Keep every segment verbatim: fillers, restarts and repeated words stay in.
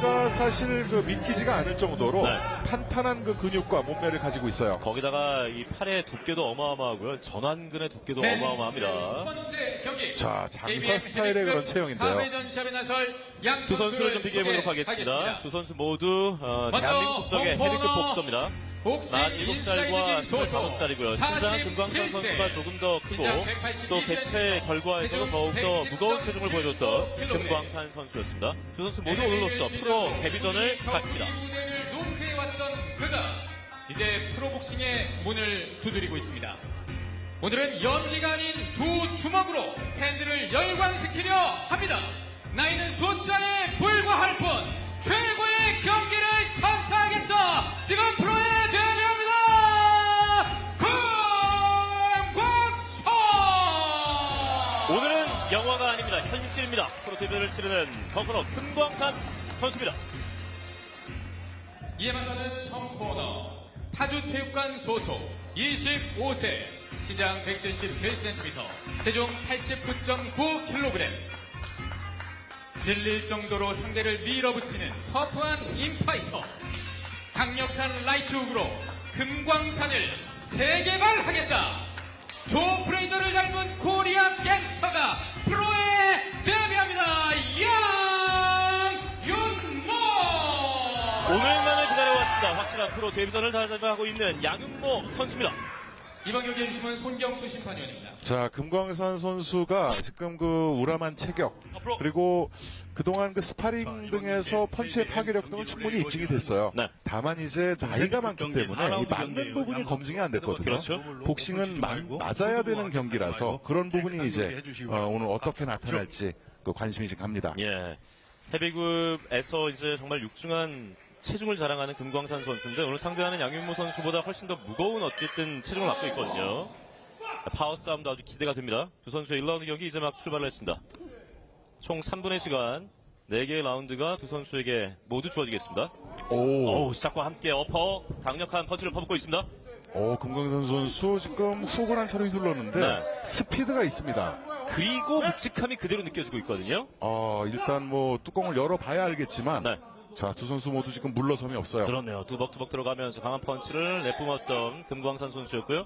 경기가 사실 그 믿기지가 않을 정도로 네. 탄탄한 그 근육과 몸매를 가지고 있어요. 거기다가 이 팔의 두께도 어마어마하고요. 전완근의 두께도 네. 어마어마합니다. 첫 번째 경기. 자, 장사 스타일의 그런 체형인데요. 사 회전 시합에 나설 양 두 선수를 좀 비교해보도록 하겠습니다. 두 선수 모두 어, 먼저 대한민국 국적의 홍코너 헤비급 복서입니다. 복싱 만 일곱 살과 스물다섯 살이고요. 신장은 금광산 선수가 조금 더 크고 또 개최 결과에서도 더욱더 무거운 체중을 보여줬던 금광산 선수였습니다. 두 선수 모두 오늘로써 프로 데뷔전을 갖습니다. 무대를 노크해왔던 그가 이제 프로복싱의 문을 두드리고 있습니다. 오늘은 연기가 아닌 두 주먹으로 팬들을 열광시키려 합니다. 나이는 숫자에 불과할 뿐 최고의 경기를 선사하겠다. 지금 프로에 데뷔합니다. 금광산. 오늘은 영화가 아닙니다. 현실입니다. 프로 데뷔를 치르는 덩크너 금광산 선수입니다. 이에 맞서는 청코너 파주체육관 소속 이십오 세 신장 백칠십칠 센티미터 체중 팔십구 점 구 킬로그램 질릴 정도로 상대를 밀어붙이는 터프한 인파이터 강력한 라이트 훅으로 금광산을 재개발하겠다. 조 프레이저를 닮은 코리아 갱스터가 프로에 데뷔합니다. 양윤모. 오늘만을 기다려왔습니다. 확실한 프로 데뷔전을 다짐하고 있는 양윤모 선수입니다. 이번 경기 해주시면 손경수 심판위원입니다. 자, 금광산 선수가 지금 그 우람한 체격 그리고 그동안 그 스파링 등에서 펀치의 파괴력 등은 충분히 입증이 됐어요. 네. 다만 이제 나이가 많기 때문에 이 맞는 부분이 검증이 안 됐거든요. 그렇죠. 복싱은 마, 맞아야 되는 경기라서 그런 부분이 이제 어, 오늘 어떻게 나타날지 그 관심이 지금 갑니다. 예. 헤비급에서 이제 정말 육중한 체중을 자랑하는 금광산 선수인데 오늘 상대하는 양윤모 선수보다 훨씬 더 무거운 어쨌든 체중을 갖고 있거든요. 파워 싸움도 아주 기대가 됩니다. 두 선수의 일 라운드 경기 이제 막 출발을 했습니다. 총 삼 분의 시간 네 개의 라운드가 두 선수에게 모두 주어지겠습니다. 오, 오, 시작과 함께 어퍼 강력한 펀치를 퍼붓고 있습니다. 오 금광산 선수 지금 훅을 한 차례 휘둘렀는데 네. 스피드가 있습니다. 그리고 묵직함이 그대로 느껴지고 있거든요. 어, 일단 뭐 뚜껑을 열어봐야 알겠지만 네. 자, 두 선수 모두 지금 물러섬이 없어요. 그렇네요. 두벅두벅 들어가면서 강한 펀치를 내뿜었던 금광산 선수였고요.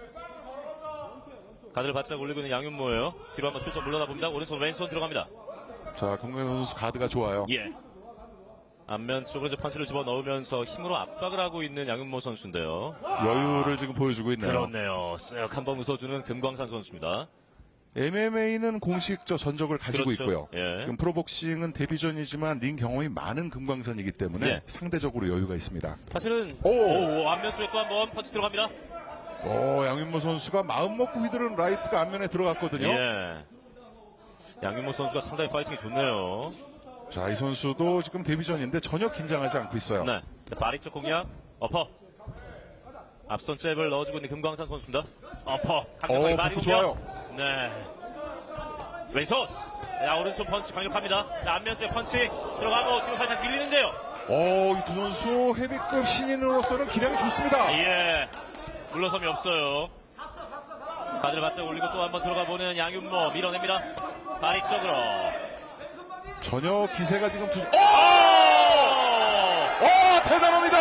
가드를 바짝 올리고 있는 양윤모예요. 뒤로 한번 슬쩍 물러나 봅니다. 오른손 왼손 들어갑니다. 자, 금광산 선수 가드가 좋아요. 예. 앞면 쪽으로 이제 펀치를 집어넣으면서 힘으로 압박을 하고 있는 양윤모 선수인데요. 여유를 지금 보여주고 있네요. 그렇네요. 쓱 한번 웃어주는 금광산 선수입니다. 엠엠에이는 공식 저 전적을 가지고 그렇죠. 있고요. 예. 지금 프로복싱은 데뷔전이지만 링 경험이 많은 금광산이기 때문에 예. 상대적으로 여유가 있습니다. 사실은 오! 오, 앞면 쪽에 또 한번 펀치 들어갑니다. 오, 양윤모 선수가 마음 먹고 휘두른 라이트가 앞면에 들어갔거든요. 예. 양윤모 선수가 상당히 파이팅이 좋네요. 자, 이 선수도 지금 데뷔전인데 전혀 긴장하지 않고 있어요. 네. 바리 쪽 공략 어퍼. 앞선 잽을 넣어주고 있는 금광산 선수입니다. 어퍼. 강력하게 오, 바리 복부 공략. 좋아요. 네. 왼손. 야, 오른손 펀치 강력합니다. 자, 앞면 쪽에 펀치 들어가고 뒤로 살짝 밀리는데요. 오, 이 두 선수 헤비급 신인으로서는 기량이 좋습니다. 예. 물러섬이 없어요. 가드를 바짝 올리고 또 한번 들어가 보는 양윤모 밀어냅니다. 바리 쪽으로. 전혀 기세가 지금 부... 오! 오! 오, 대단합니다.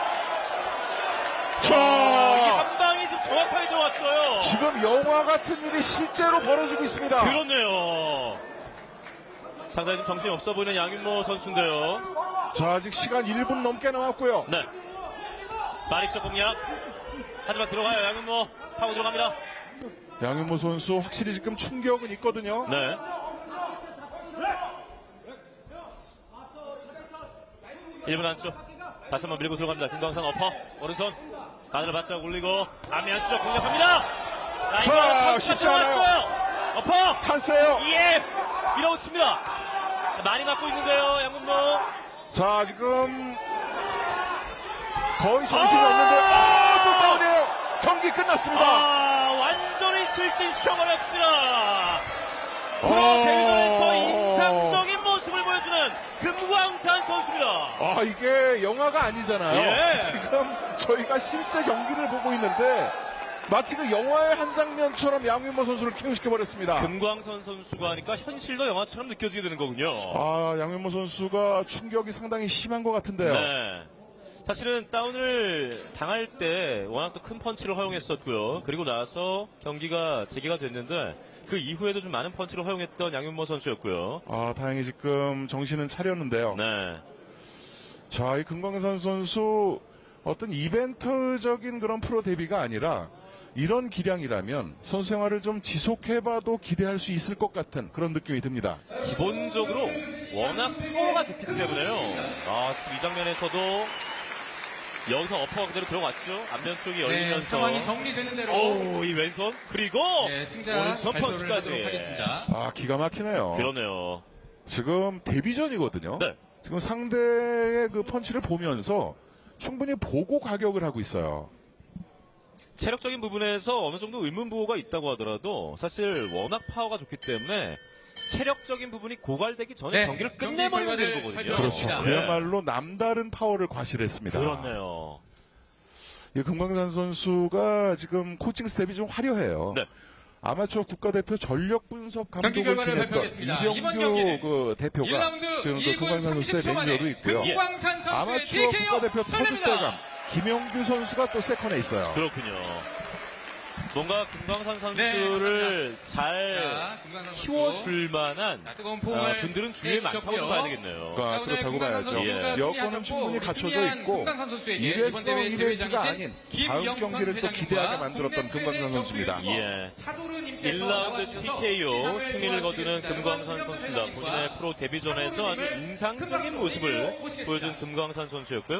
이 자, 한 방이 지금 정확하게 들어왔어요. 지금 영화 같은 일이 실제로 벌어지고 있습니다. 그렇네요. 상당히 좀 정신이 없어 보이는 양윤모 선수인데요. 자, 아직 시간 일 분 넘게 남았고요. 네. 바릭적 공략. 하지만 들어가요. 양윤모 파고 들어갑니다. 양윤모 선수 확실히 지금 충격은 있거든요. 네. 일 분 안쪽. 다시 한번 밀고 들어갑니다. 금광산 어퍼. 오른손. 가드를 바짝 올리고 앞면 안쪽 공략합니다. 자, 쉽지 않아요. 어퍼. 찬스예요. 예. 밀어붙입니다. 많이 맞고 있는데요. 양윤모. 자, 지금 거의 정신이 아! 없는데 아, 또 다운이에요. 경기 끝났습니다. 아, 완전히 실신시켜버렸습니다. 프로 어. 대회에서 인상적인 모습을 보여주는 금광산 선수입니다. 아, 이게 영화가 아니잖아요. 예. 지금 저희가 실제 경기를 보고 있는데 마치 그 영화의 한 장면처럼 양윤모 선수를 케어시켜버렸습니다. 금광선 선수가 하니까 현실도 영화처럼 느껴지게 되는 거군요. 아, 양윤모 선수가 충격이 상당히 심한 것 같은데요. 네. 사실은 다운을 당할 때 워낙 또 큰 펀치를 허용했었고요. 그리고 나서 경기가 재개가 됐는데 그 이후에도 좀 많은 펀치를 허용했던 양윤모 선수였고요. 아, 다행히 지금 정신은 차렸는데요. 네. 자, 이 금광산 선수 어떤 이벤트적인 그런 프로 데뷔가 아니라 이런 기량이라면 선수 생활을 좀 지속해봐도 기대할 수 있을 것 같은 그런 느낌이 듭니다. 기본적으로 워낙 파워가 좋기 때문에요. 아, 이 장면에서도 여기서 어퍼가 그대로 들어갔죠. 앞면 쪽이 네, 열리면서. 상황이 정리되는 대로 오, 이 왼손. 그리고 네, 승자 오른손 발표를 펀치까지. 하도록 하겠습니다. 아, 기가 막히네요. 그러네요. 지금 데뷔전이거든요. 네. 지금 상대의 그 펀치를 보면서 충분히 보고 가격을 하고 있어요. 체력적인 부분에서 어느 정도 의문부호가 있다고 하더라도 사실 워낙 파워가 좋기 때문에 체력적인 부분이 고갈되기 전에 네, 경기를 경기 끝내버리면 되는 결과를 거거든요. 그렇죠. 그렇습니다. 그야말로 남다른 파워를 과시했습니다. 그렇네요. 이 금광산 선수가 지금 코칭 스텝이 좀 화려해요. 네. 아마추어 국가대표 전력 분석 경기 감독을 결과를 지냈던 발표하겠습니다. 이번 이병규 경기는 그 대표가 일 라운드 지금 그 일 분 금광산 선수의 삼십 초 만에 매니저도 있고요. 금광산 선수의 아마추어 티케이오 국가대표 타주대감 승리입니다. 김영규 선수가 또 세컨에 있어요. 그렇군요. 뭔가 금광산 네, 선수를 잘 자, 금광산 선수. 키워줄 만한 자, 뜨거운 아, 포옹을 분들은 주위에 많다고 해주셨고요. 좀 봐야 되겠네요. 그러니까 자, 오늘 그렇다고 금광산 봐야죠. 선수가 예. 여건은 승리하셨고, 충분히 우리 갖춰져 승리한 있고 금광산 선수에게 이번 일회성 대회 이벤트가 대회장이신 아닌 다음 김영선 경기를 또 회장님과 기대하게 만들었던 국내 금광산 최대 선수입니다. 격투 유튜버 예. 차도르님께서 일 라운드 나와주셔서 티케이오 시상을 승리를 거두는 도와주시겠습니다. 금광산 김영선 선수입니다. 회장님과 본인의 프로 데뷔전에서 아주 인상적인 모습을 보여준 금광산 선수였고요.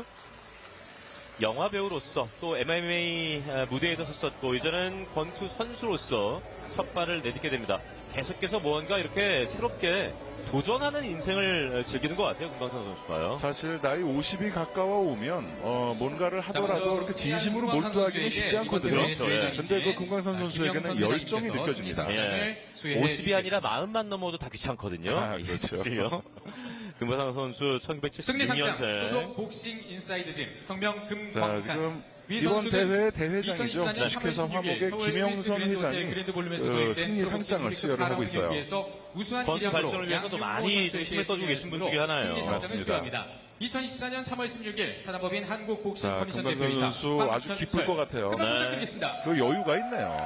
영화 배우로서 또 엠엠에이 무대에도 섰었고 이제는 권투 선수로서 첫 발을 내딛게 됩니다. 계속해서 뭔가 이렇게 새롭게 도전하는 인생을 즐기는 것 같아요. 금광산 선수가요. 사실 나이 오십이 가까워 오면 어, 뭔가를 하더라도 먼저 그렇게 진심으로 금광산 몰두하기는 선수에게 쉽지 않거든요. 이번 그렇죠. 대회 예. 대회장이신 근데 그 금광산 선수에게는 김영선 열정이 회장님께서 느껴집니다. 승리상장을 예. 수여해 오십이 아니라 주시겠습니다. 마흔만 넘어도 다 귀찮거든요. 아, 그렇죠. 그렇죠. 금광산 선수 천구백칠십육 승리상장 년생. 소속 복싱 인사이드짐 성명 자, 금광산 지금 위 이번 선수는 대회 대회장이죠. 이천십사 년 주식회사 삼월 십육 일 화목의 서울 김영선 스위스 그랜드 호텔 회장이 그랜드 볼룸에서 그 도입된 승리 상장을 프로복싱 수여를 하고 사 라운드 있어요. 경기에서 우수한 권투 기량으로 발전을 위해서도 양윤모 많이 선수에게 힘을 써주고 계신 분 중에 하나예요. 승리상장을 맞습니다. 수여합니다. 이천이십사 년 삼월 십육 일 사단법인 한국복싱 자, 컨디션 금광산 대표이사 선수 아주 황현철. 기쁠 것 같아요. 큰 박수 네. 부탁드리겠습니다. 그 여유가 있네요.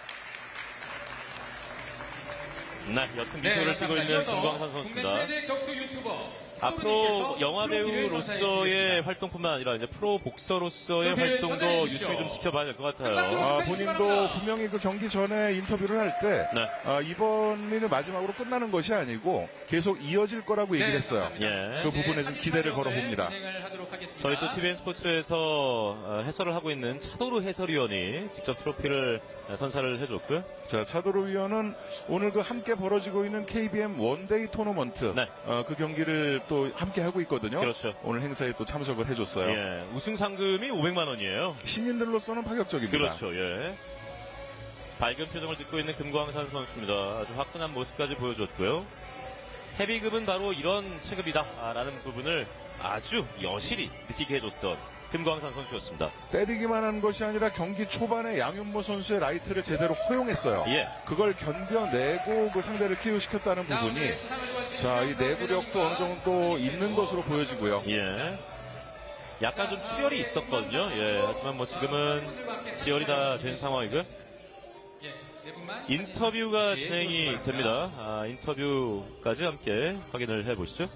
네, 옅은 네, 미소를 띠고 감사합니다. 있는 이어서 금광산 국내 선수입니다. 최대 격투 유튜버 앞으로 차도르님께서 영화 트로피를 선사해 배우로서의 주시겠습니다. 활동뿐만 아니라 이제 프로 복서로서의 트로피를 활동도 전달해 주십시오. 유심히 좀 지켜봐야 될 것 같아요. 아, 본인도 분명히 그 경기 전에 인터뷰를 할 때 네. 아, 이번이 마지막으로 끝나는 것이 아니고 계속 이어질 거라고 얘기를 했어요. 감사합니다. 예. 그 부분에 좀 기대를 걸어봅니다. 진행을 하도록 하겠습니다. 저희 또 티비엔 스포츠에서 어, 해설을 하고 있는 차도루 해설위원이 직접 트로피를 어, 선사를 해줬고요. 자, 차도로 위원은 오늘 그 함께 벌어지고 있는 케이비엠 원데이 토너먼트 네. 어, 그 경기를 또 함께 하고 있거든요. 그렇죠. 오늘 행사에 또 참석을 해줬어요. 예, 우승 상금이 오백만 원이에요. 신인들로서는 파격적입니다. 그렇죠. 예. 밝은 표정을 짓고 있는 금광산 선수입니다. 아주 화끈한 모습까지 보여줬고요. 헤비급은 바로 이런 체급이다라는 부분을 아주 여실히 느끼게 해줬던 금광산 선수였습니다. 때리기만 한 것이 아니라 경기 초반에 양윤모 선수의 라이트를 제대로 허용했어요. 예. 그걸 견뎌내고 그 상대를 키우시켰다는 자, 부분이 오늘 시상을 도와주신 자, 이 김영선 내구력도 어느 정도 있는 것으로 보여지고요. 예. 약간 좀 출혈이 있었거든요. 예. 하지만 뭐 지금은 지혈이 다 된 상황이고요. 예, 네 분만 인터뷰가 진행이 됩니다. 아, 인터뷰까지 함께 확인을 해보시죠.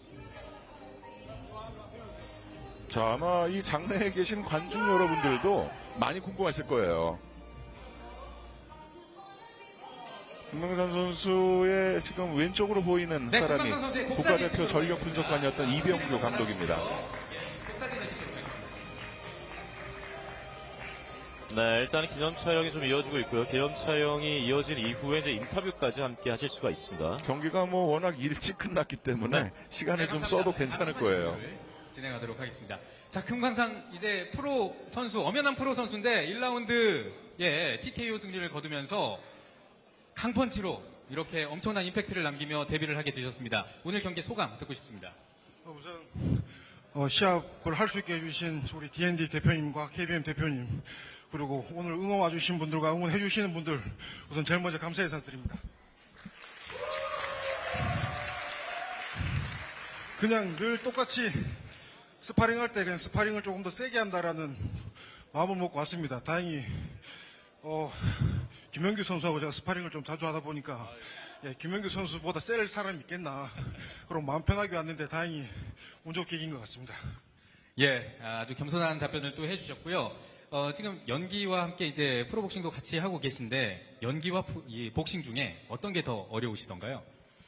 자, 아마 이 장내에 계신 관중 여러분들도 많이 궁금하실 거예요. 금광산 선수의 지금 왼쪽으로 보이는 네, 사람이 금광산 선수의 국가대표 복사진 전력 분석관이었던 이병규 감독입니다. 네, 일단 기념 촬영이 좀 이어지고 있고요. 기념 촬영이 이어진 이후에 이제 인터뷰까지 함께 하실 수가 있습니다. 경기가 뭐 워낙 일찍 끝났기 때문에 네. 시간을 좀 써도 괜찮을 거예요. 진행하도록 하겠습니다. 자, 금광산 이제 프로 선수, 엄연한 프로 선수인데 일 라운드 예, 티케이오 승리를 거두면서 강펀치로 이렇게 엄청난 임팩트를 남기며 데뷔를 하게 되셨습니다. 오늘 경기 소감 듣고 싶습니다. 어, 우선 어, 시합을 할 수 있게 해주신 우리 디엔디 대표님과 케이비엠 대표님 그리고 오늘 응원 와주신 분들과 응원해 주시는 분들 우선 제일 먼저 감사 인사드립니다. 그냥 늘 똑같이 스파링 할 때 그냥 스파링을 조금 더 세게 한다라는 마음을 먹고 왔습니다. 다행히 어, 김영규 선수하고 제가 스파링을 좀 자주 하다 보니까 예, 김영규 선수보다 셀 사람이 있겠나 그럼 마음 편하게 왔는데 다행히 운 좋게 이긴 것 같습니다. 예, 아주 겸손한 답변을 또 해주셨고요. 어, 지금 연기와 함께 이제 프로복싱도 같이 하고 계신데 연기와 푸- 이 복싱 중에 어떤 게 더 어려우시던가요?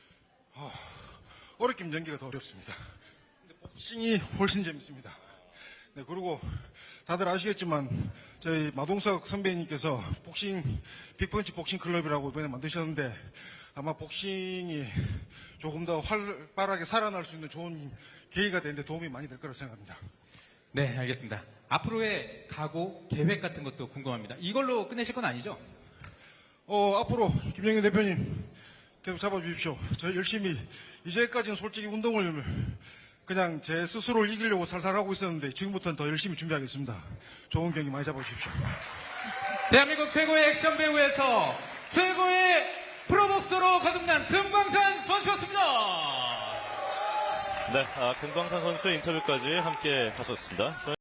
어렵긴 연기가 더 어렵습니다. 근데 복싱이 훨씬 재밌습니다. 네, 그리고 다들 아시겠지만 저희 마동석 선배님께서 복싱 빅펀치 복싱 클럽이라고 이번에 만드셨는데 아마 복싱이 조금 더 활발하게 살아날 수 있는 좋은 계기가 되는데 도움이 많이 될 거라고 생각합니다. 네, 알겠습니다. 앞으로의 각오, 계획 같은 것도 궁금합니다. 이걸로 끝내실 건 아니죠? 어, 앞으로 김영현 대표님 계속 잡아주십시오. 저 열심히 이제까지는 솔직히 운동을 그냥 제 스스로를 이기려고 살살 하고 있었는데 지금부터는 더 열심히 준비하겠습니다. 좋은 경기 많이 잡아주십시오. 대한민국 최고의 액션 배우에서 최고의 프로복서로 거듭난 금광산 선수였습니다. 네, 아, 금광산 선수의 인터뷰까지 함께 하셨습니다.